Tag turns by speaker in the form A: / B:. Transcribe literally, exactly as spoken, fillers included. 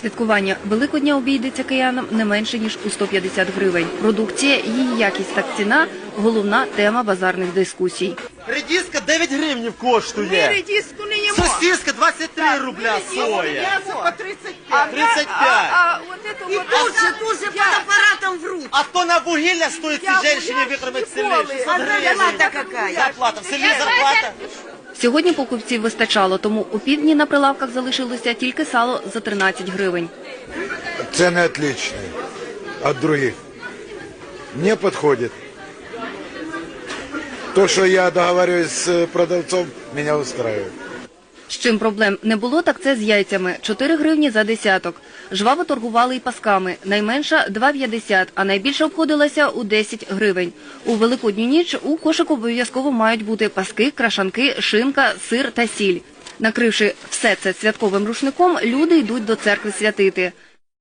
A: Святкування Великодня обійдеться киянам не менше, ніж у сто п'ятдесят гривень. Продукція, її якість та ціна – головна тема базарних дискусій.
B: Редиска дев'ять гривень коштує.
C: Ми редиску не їмо.
B: Сосиска двадцять три рубля соя.
C: М'ясо по тридцять п'ять.
B: тридцять п'ять.
C: А, а вот это
D: И
C: вот...
D: тут же, тут же под аппаратом врут.
B: А то на вугілля стоїть
C: Я
B: цій жінці
C: гуляш
B: викормити
C: ніколи.
B: селі. шістсот
D: А
B: гривень.
D: зарплата какая?
B: Зарплата. В селі зарплата.
A: Сьогодні покупців вистачало, тому у півдні на прилавках залишилося тільки сало за тринадцять гривень.
E: Цены отличные от других. Мне подходит. То, что я договариваюсь с продавцом, меня устраивает.
A: З чим проблем не було, так це з яйцями – чотири гривні за десяток. Жваво торгували і пасками. Найменша – два п'ятдесят, а найбільше обходилася у десять гривень. У Великодню ніч у кошику обов'язково мають бути паски, крашанки, шинка, сир та сіль. Накривши все це святковим рушником, люди йдуть до церкви святити.